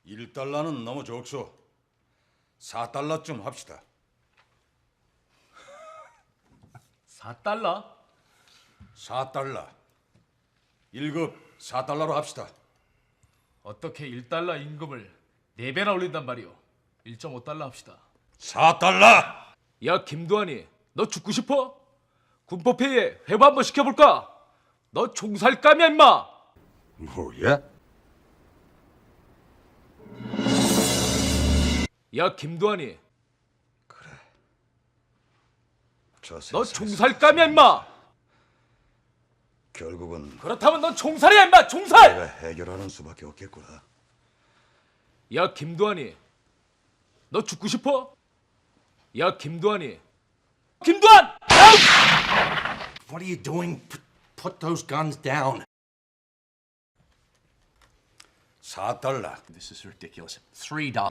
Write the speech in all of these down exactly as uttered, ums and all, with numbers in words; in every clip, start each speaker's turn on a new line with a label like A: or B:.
A: 일 달러는 너무 적소. 사 달러쯤 합시다.
B: 사 달러?
A: 사 달러. 일 급 사 달러로 합시다.
B: 어떻게 일 달러 임금을 네 배나 올린단 말이오? 일 점 오 달러 합시다.
A: 사 달러!
B: 야 김두한이, 너 죽고 싶어? 군법회의에 회부 한번 시켜볼까? 너 총살감이야 임마!
A: 뭐야?
B: 야 김두한이,
A: 저
B: 너
A: 세상에
B: 총살감이야 임마!
A: 결국은
B: 그렇다면 넌 총살이야 임마! 총살!
A: 내가 해결하는 수밖에 없겠구나.
B: 야 김두한이, 너 죽고 싶어? 야 김두한이, 김두한!
C: What are you doing? Put, put those guns down.
A: 사 달러.
C: This is ridiculous. Three dollars.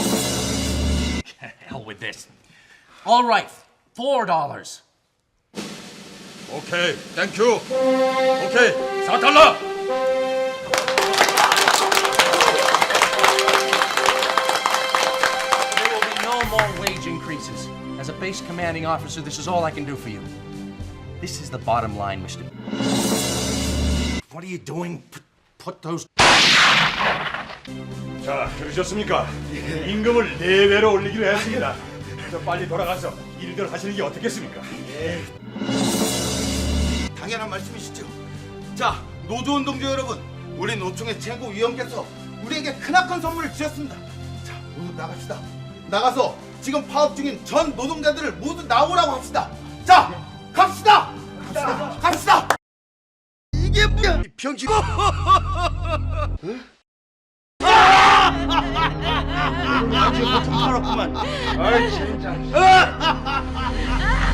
C: Hell with this. All right, four dollars.
A: 오케이, 땡큐. 오케이, 사 달러.
C: There will be no more wage increases. As a base commanding officer, this is all I can do for you. This is the bottom line, Mister What are you doing? Put, put those.
A: 자, 들으셨습니까? 임금을 네 배로 올리기로 했습니다. 저 빨리 돌아가서 일들 하시는 게 어떻겠습니까?
D: 당연한 말씀이시죠. 자, 노조운동주 여러분, 우리 노총의 최고위원께서 우리에게 크나큰 선물을 주셨습니다. 자, 모두 나갑시다. 나가서 지금 파업 중인 전 노동자들을 모두 나오라고 합시다. 자, 갑시다. 갑시다. 갑시다. 이게 뭐야? 병신. 아, 지금 좀 팔았구만. 아이, 진짜.